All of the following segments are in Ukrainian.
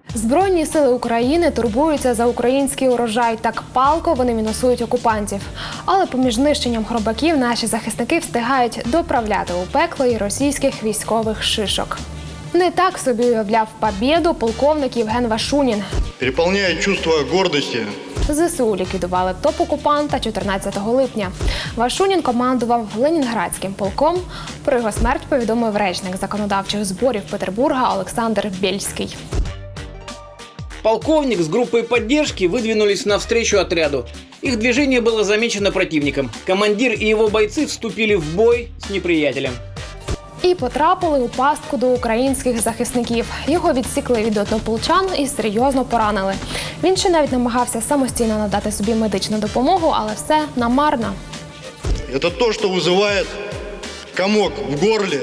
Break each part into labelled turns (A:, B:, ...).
A: Збройні сили України турбуються за український урожай. Так палко вони мінусують окупантів. Але поміж нищенням хробаків наші захисники встигають доправляти у пекло і російських військових шишок. Не так собі уявляв побєду полковник Євген Вашунін.
B: Переповняє чувство гордості.
A: ЗСУ ліквідували топ-окупанта 14 липня. Вашунін командував Ленінградським полком. Про його смерть повідомив речник законодавчих зборів Петербурга Олександр Бєльський.
C: Полковник с группой поддержки выдвинулись навстречу отряду. Их движение было замечено противником. Командир и его бойцы вступили в бой с неприятелем.
A: І потрапили у пастку до українських захисників. Його відсікли від однополчан і серйозно поранили. Він ще навіть намагався самостійно надати собі медичну допомогу, але все намарно.
B: Це те, що викликає комок в горлі.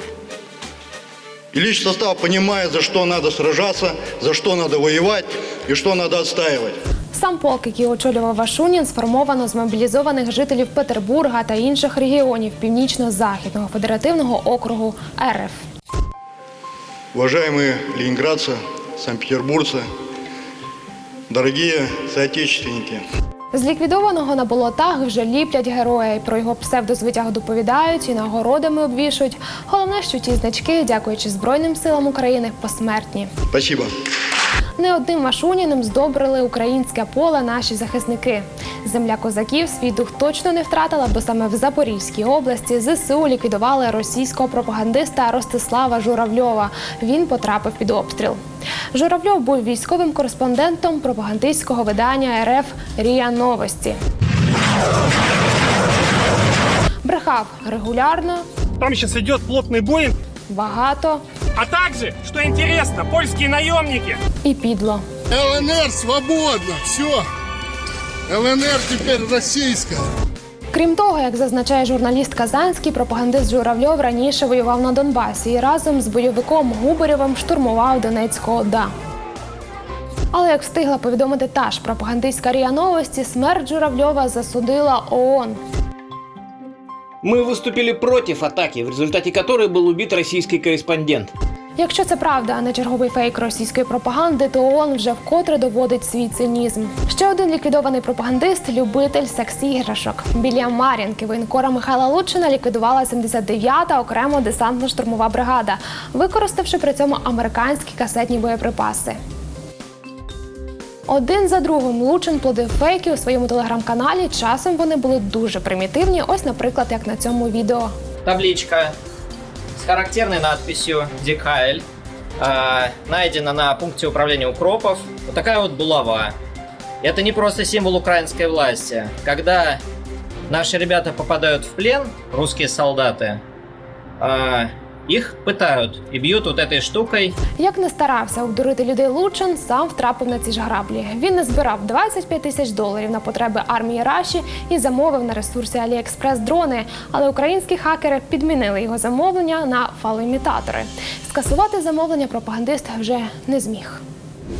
B: И личный состав понимает, за что надо сражаться, за что надо воевать и что надо отстаивать.
A: Сам полк, який очолював Вашунін, сформовано з мобілізованих жителів Петербурга та інших регіонів Північно-Західного федеративного округу РФ.
B: Уважаемые ленинградцы, санкт-петербуржцы, дорогие соотечественники.
A: З ліквідованого на болотах вже ліплять героя. Про його псевдозвитяг доповідають і нагородами обвішують. Головне, що ті значки, дякуючи Збройним силам України, посмертні.
B: Спасибо.
A: Не одним Вашуніним здобрили українське поле наші захисники. Земля козаків свій дух точно не втратила, бо саме в Запорізькій області ЗСУ ліквідували російського пропагандиста Ростислава Журавльова. Він потрапив під обстріл. Журавльов був військовим кореспондентом пропагандистського видання РФ «РІА Новості». Брехав регулярно.
D: Там сейчас идет плотный бой.
A: Багато.
D: А также, что интересно, польские наемники.
A: І підло.
E: ЛНР свободна, все. ЛНР тепер російська.
A: Крім того, як зазначає журналіст Казанський, пропагандист Журавльов раніше воював на Донбасі і разом з бойовиком Губарєвим штурмував Донецьку ОДА. Але, як встигла повідомити та ж пропагандистська РІА Новості, смерть Журавльова засудила ООН.
C: Мы выступили против атаки, в результате которой был убит российский корреспондент.
A: Якщо це правда, а не черговий фейк російської пропаганди, то ООН вже вкотре доводить свій цинізм. Ще один ліквідований пропагандист – любитель секс-іграшок. Біля Мар'їнки воєнкора Михайла Лучина ліквідувала 79-та окремо десантно-штурмова бригада, використавши при цьому американські касетні боєприпаси. Один за другим Лучин плодив фейки у своєму телеграм-каналі. Часом вони були дуже примітивні, ось, наприклад, як на цьому відео.
F: Табличка с характерной надписью «Декайль» найдена на пункте управления укропов. Вот такая вот булава. Это не просто символ украинской власти. Когда наши ребята попадают в плен, русские солдаты, их пытают и бьют вот этой штукой.
A: Як не старався обдурити людей Лучин, сам втрапив на ці ж граблі. Він не збирав $25 тисяч на потреби армії Раші і замовив на ресурсі AliExpress дрони. Але українські хакери підмінили його замовлення на фалоімітатори. Скасувати замовлення пропагандист вже не зміг.